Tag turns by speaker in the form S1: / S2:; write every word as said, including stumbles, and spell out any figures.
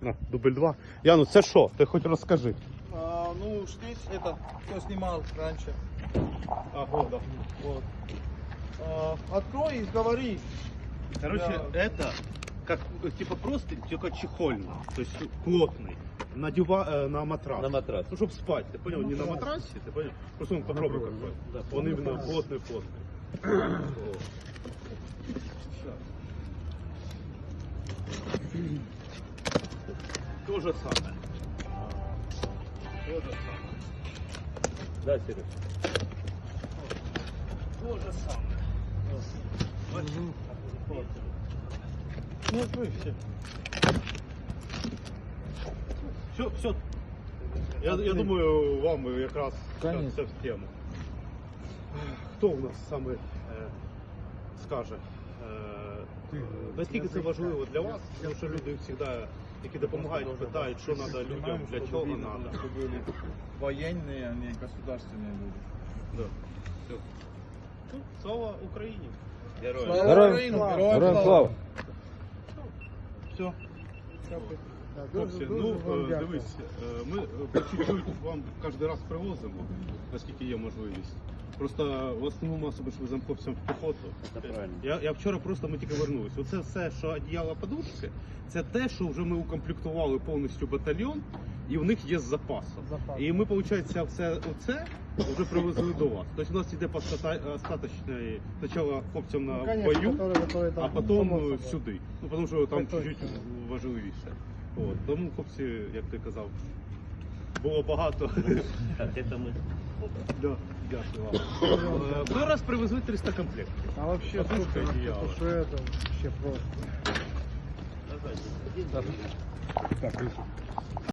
S1: На, дубль два. Яну, це що? Ти хоч розкажи.
S2: А, ну, здесь это, кто снимал раньше.
S1: А, вот, да.
S2: Вот. А, открой и говори.
S1: Короче,
S2: Да.
S1: это как типа просто только чехольно, то есть плотный. На, дива, э, на матрас.
S3: На матрас.
S1: Ну, чтобы спать, ты понял? Не на матрасе, ты понял? Просто он попробуй какой.
S3: Да,
S1: Он именно плотный-плотный. То же самое. То же самое.
S3: Да, Сереж.
S1: То же самое.
S2: Ну, открой все.
S1: Все, все. Я, я думаю, вам якраз
S2: Конечно.
S1: це в тему. Хто у нас саме е, скаже, е, наскільки це важливо для вас? Тому що люди завжди, які допомагають, питають, що треба людям, для чого треба.
S2: Чтобы были военные, а не государственные люди.
S1: Да. Все. Ну, слава Україні!
S3: Герой.
S2: Слава
S3: Героям
S2: Україні!
S3: слава.
S2: Героям
S3: Героям
S2: слава!
S3: слава.
S1: Все.
S4: Так,
S1: Хлопці,
S4: дуже-
S1: ну
S4: дуже вам
S1: е,
S4: дякую.
S1: дивись, е, ми е, по чуть-чуть вам кожен раз привозимо, наскільки є можливість. Просто в основному особи ж веземо хлопцям в піхоту.
S3: Це правильно.
S1: Я, я вчора просто ми тільки вернулись. Оце все, що одіяло подушки, це те, що вже ми укомплектували повністю батальйон, і в них є з запасом.
S4: Запас.
S1: І ми, виходить, все оце вже привезли до вас. Тобто у нас йде остаточне спочатку хлопцям на
S4: Ну, конечно,
S1: бою,
S4: которые- которые
S1: а
S4: там,
S1: потім
S4: само
S1: е,
S4: собою.
S1: сюди. Ну, тому що там
S4: Так точно.
S1: чуть-чуть важливіше. От. Тому, хлопці, як ти казав, було багато.
S3: Так, это мы.
S1: Да, дякую вам. Е, Той раз привезли триста комплектів.
S4: А вообще
S1: Подушка,
S4: супер,
S1: одеяло.
S4: потому что это вообще просто.
S3: Давай, один,
S4: Так,